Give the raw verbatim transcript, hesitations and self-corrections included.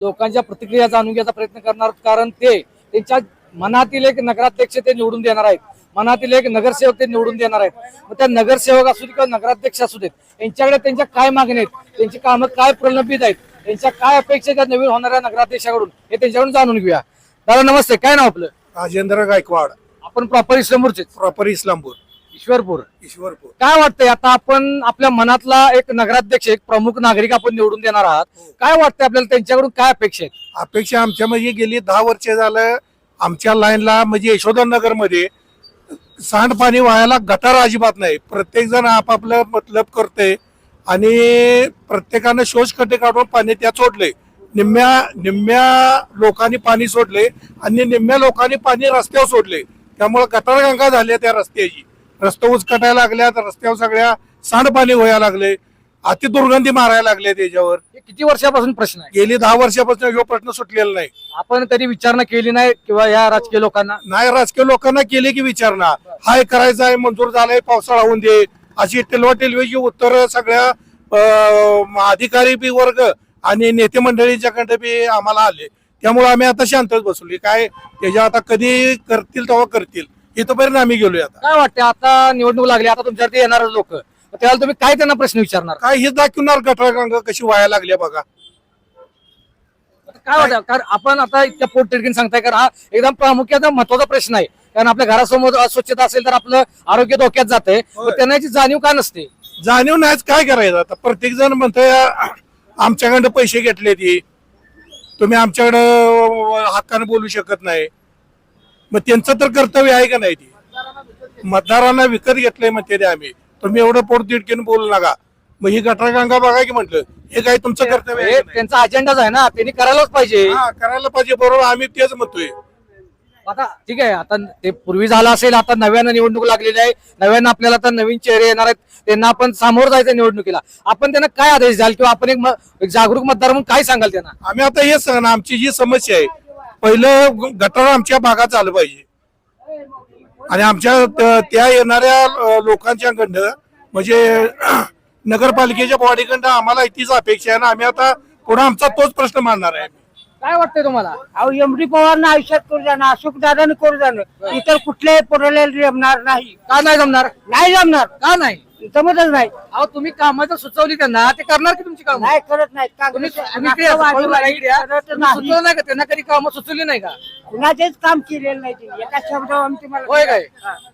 लोकांच्या प्रतिक्रिया जाणून घ्यायचा प्रयत्न करणार, कारण ते त्यांच्या मनातील एक नगराध्यक्ष ते निवडून देणार आहेत, मनातील एक नगरसेवक ते निवडून देणार आहेत. मग त्या नगरसेवक असू दे किंवा नगराध्यक्ष असू देत, यांच्याकडे त्यांच्या काय मागणी आहेत, त्यांची कामं काय प्रलंबित आहेत, त्यांच्या काय अपेक्षा आहेत नवीन होणाऱ्या नगराध्यक्षाकडून, हे त्यांच्याकडून जाणून घेऊया. दादा नमस्ते, काय नाव आपलं? राजेंद्र गायकवाड. आपण प्रॉपर इस्लामपूरचे? प्रॉपर इस्लामपूर. ईश्वरपूर. ईश्वरपूर. काय वाटतंय आता आपण आपल्या मनातला एक नगराध्यक्ष, एक प्रमुख नागरिक आपण निवडून देणार आहात, काय वाटतंय आपल्याला त्यांच्याकडून काय अपेक्षा आहेत? अपेक्षा आमच्या म्हणजे गेली दहा वर्ष झालं आमच्या लाईनला म्हणजे यशोधनगर मध्ये सांडपाणी व्हायला गटार अजिबात नाही. प्रत्येक जण आपापलं मतलब करते आणि प्रत्येकानं शोषखड्डे काढून पाणी त्यात सोडले. निम्म्या निम्म्या लोकांनी पाणी सोडले आणि निम्म्या लोकांनी पाणी रस्त्यावर सोडले. त्यामुळे गटारगंगा झाल्या त्या रस्त्याची. रस्ते उचकटायला लागल्या, रस्त्यावर सगळ्या सांडपाणी व्हायला लागले, अति दुर्गंधी मारायला लागले. त्याच्यावर किती वर्षापासून प्रश्न आहे? गेली दहा वर्षापासून हा प्रश्न सुटलेला नाही. आपण कधी विचारणा केली नाही किंवा या राजकीय लोकांना? नाही, राजकीय लोकांना केली की विचारणा, हाय करायचं आहे, मंजूर झालंय, पावसाळा होऊन दे, अशी टेलवा टेलवेची उत्तर सगळ्या अधिकारी बी वर्ग आणि नेते मंडळीच्याकडे बी आम्हाला आले. त्यामुळे आम्ही आता शांतच बसवली. काय त्याच्या आता कधी करतील तेव्हा करतील, इथपर्यंत आम्ही गेलोय. आता काय वाटतं, आता निवडणूक लागली, आता तुमच्यावरती येणार लोक, त्याला तुम्ही काय त्यांना प्रश्न विचारणार? काय हे दाखवणार गटारगंगा कशी व्हायला लागली बघा. काय वाटतं, कारण आपण आता इतक्या पोट तिडकीन सांगताय, कारण हा एकदम प्रामुख्याने महत्वाचा प्रश्न आहे. कारण आपल्या घरासमोर अस्वच्छता असेल तर आपलं आरोग्य धोक्यात जाते, त्यांना याची जाणीव का नसते? जाणीव नाहीच, काय करायचं आता. प्रत्येक जण म्हणतोय आमच्याकडे पैसे घेतले, ती तुम्ही आमच्याकडं हक्काने बोलू शकत नाही. मग त्यांचं तर कर्तव्य आहे का नाही? ती मतदारांना विकत घेतलंय म्हणते ते आम्ही, तुम्ही एवढं पोट तिडकीने बोलू नका. मग ही गटारगंगा बघा की म्हटलं, हे काय तुमचं कर्तव्य आहे? त्यांचा अजेंडाच आहे ना, त्यांनी करायलाच पाहिजे. हा, करायला पाहिजे, बरोबर, आम्ही तेच म्हणतोय. आता ठीक आहे, आता ते पूर्वी झालं असेल, आता नव्यानं निवडणूक लागलेली आहे, नव्यानं आपल्याला आता नवीन चेहरे येणार आहेत, त्यांना आपण सामोरं जायचं निवडणुकीला. आपण त्यांना काय आदेश द्याल किंवा आपण एक, एक जागरूक मतदार म्हणून काय सांगाल त्यांना? आम्ही आता हेच सांगणार, आमची जी समस्या आहे, पहिलं गटार आमच्या भागात आलं पाहिजे आणि आमच्या त्या येणाऱ्या लोकांच्याकडनं म्हणजे नगरपालिकेच्या बॉडीकडनं आम्हाला तीच अपेक्षा आहे ना. आम्ही आता पुढे आमचा तोच प्रश्न मांडणार आहे. काय वाटतंय तुम्हाला? अहो एमडी पवारनं आयुष्यात करू जाणं, अशोक दादाने करू जाणं, इतर कुठल्याही पोराला जमणार नाही. का नाही जमणार? नाही जमणार, का नाही जमतच नाही. अहो तुम्ही कामं जर सुचवली त्यांना, ते करणार की तुमची कामं? नाही करत नाही. तुम्ही तुम्ही ते पळून राहिली द्या. तुम्ही सुचवलं नाही का त्यांना? कधी कामं सुचवली नाही का? कुणाचेच काम केलेलं नाही त्यांनी. एका शब्दावर आमची मला होय काय?